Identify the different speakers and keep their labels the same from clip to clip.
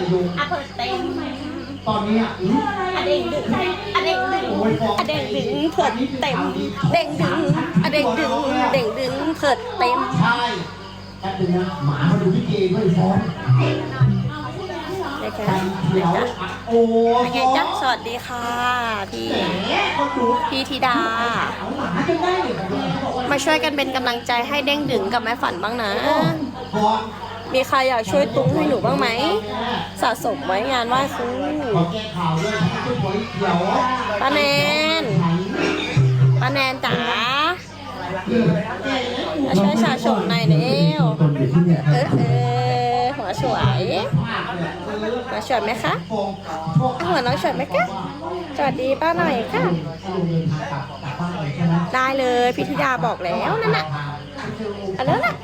Speaker 1: โยง
Speaker 2: เปิดเต็ม
Speaker 1: ตอนนี้
Speaker 2: เด้งดึงเด้งดึงเด้งดึงเปิดเต็มเด้งดึงเด้งดึงเด้งดึงเปิดเต็ม
Speaker 1: ใช่แป๊บนึงนะหมามาดูพี่เกย์ด้วยฟ้องเดี๋ยวโอ้
Speaker 2: เป็นไงจ๊ะสวัสดีค่ะพี่ธิดามาช่วยกันเป็นกำลังใจให้เด้งดึงกับแม่ฝันบ้างนะมีใครอยากช่วยตุ้งให้หนูบ้างไหมสะสมไว้งานไหว้ครูป้าแนนจ๋ามาช่วยสะสมหน่อยเร็วหัวสวยมาสวยไหมคะหัวน้องสวยไหมคะสวัสดีป้าหน่อยค่ะได้เลยพี่ธิดาบอกแล้วนั่นน่ะอันนั้นน่ะ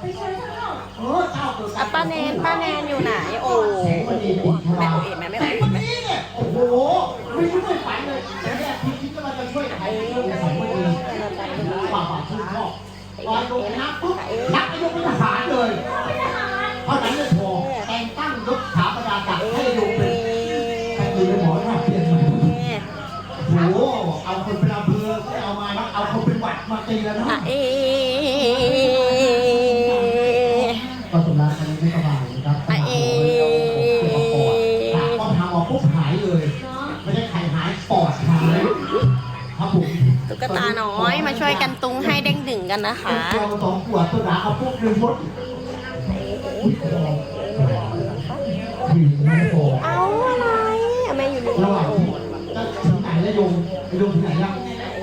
Speaker 2: ป้าแนนอยู่ไหนโอ้แม่โอเอ๋แม่
Speaker 1: โอ้โหไม่ช่วยฝันเลยพี่คิดว่าจะช่วยใครฝากชื่นชอบตอนลงนับปุ๊บนับยกเป็นทหารเลยเท่านั้นไม่พอแต่งตั้งยศสถาปนาจักรให้ลงเป็นใครคือหมอหน้าเปลี่ยนใหม่โอ้โหเอาคนเป็นอำเภอไม่เอามาเอาคนเป็นวัดมาตีแล้วนะก็สำนักนี้ไม่สบายนะครับต้องทำออกปุ๊บหายเลยไม่ได้ไข่หายปอดหายครับผม
Speaker 2: ตุ๊กตาน้อยมาช่วยกันตุ้งให้เด้งดึงกันนะคะ
Speaker 1: ตัว2 ขวดตัวหนาเอาปุ๊บ1 มด
Speaker 2: เอาอะไรแม่อยู่นี่
Speaker 1: ระหว่างที่ถึงไหนแล้วโยงถึงไหนยัง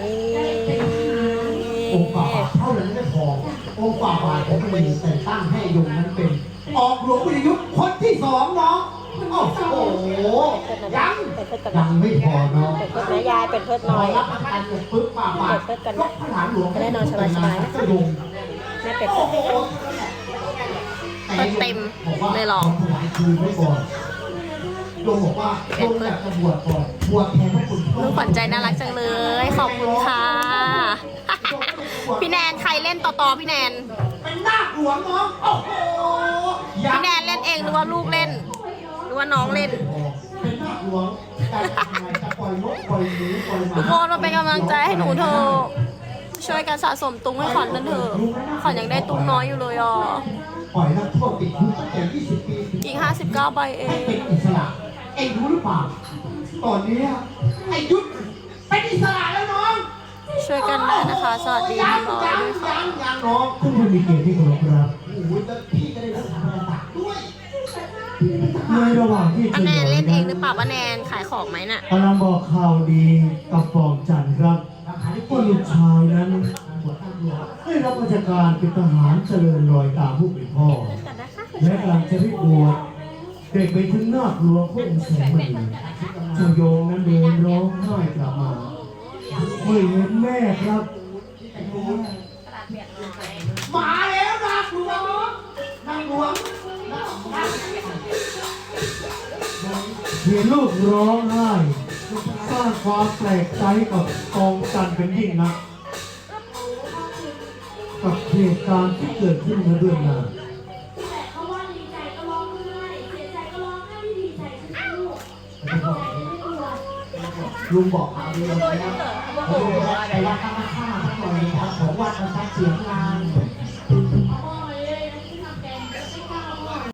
Speaker 1: องค์ฝ่าบาทเท่านั้นไม่พอองค์ฝ่าบาทผมมีแต่ตั้งให้โยงนั้นเป็นออกหลวงวิทยุคนที่2น้องโอ้โหยังไม่พอเนาะ
Speaker 2: เป็นเพื่อนแม่ยายเป็นเพื่อนน้อย
Speaker 1: รับประกันปึ๊บฝ่าบาทก็พระฐานหลวง
Speaker 2: ได้นอนสบายๆนะแม่เป็ดเต็มเลยหรอ
Speaker 1: โยมบอกว่าโยมอยากจะบวชก่อนบวชแทนให้คุณ
Speaker 2: ลูกขวัญใจน่ารักจังเลยขอบคุณค่ะพี่แนนใครเล่นต่อพี่แนน
Speaker 1: เป็นนาคหลวงน้องโอ้โห
Speaker 2: พี่แนนเล่นเองหรือว่าลูกเล่นหรือว่าน้องเล่น
Speaker 1: เป็นนาคหลวงการจะปล่อยนกปล่อยหนูปล่อยหมา
Speaker 2: ทุกคนมาเป็นกำลังใจให้หนูเถอะช่วยกันสะสมตุ้งให้ขวัญนั่นเถอะขวัญยังได้ตุ้งน้อยอยู่เลยอ่ะ
Speaker 1: ปล่อยนักโทษติดคุกตั้งแต่20 ปี
Speaker 2: อีก59 ใบเอง
Speaker 1: เป็นอิสระเอ็งรู้หรือเปล่าตอนนี้ไอ้ยุทธเป็นอิสระแล้วน้อง
Speaker 2: ช่วยกันได้นะคะสวัสดีพี่น้อยด้วยค่ะ
Speaker 1: ยังน้องคุณผู้มีเกียรติที่เคารพครับโอ้โหพี่จะได้รับสถาบันตักด้วยในระหว่างที่
Speaker 2: ป้าแนนเล่นเองหรือเปล่าป้าแนนขายของไหมน่ะ
Speaker 1: กำลังบอกข่าวดีกับฟองจันทร์ครับว่าลูกชายนั้นได้รับราชการเป็นทหารเจริญรอยตามผู้เป็นพ่อและกำลังจะได้บวชเด็กไปถึงนาคหลวงพระองค์แสงมณีเจ้าโยงนั้นเดินร้องไห้กลับมาเมื่อเห็นแม่ครับมาแล้วนาคหลวงเห็นลูกร้องไห้สร้างความแปลกใจกับกองจันเป็นยิ่งนักกับเหตุการณ์ที่เกิดขึ้นเมื่อเดือนหน้าลุงบอกเอาดีเลยนะลุงบอกไปวัดธรรมชาติสักหน่อยครับผมวัดมันชัดเสียงงาน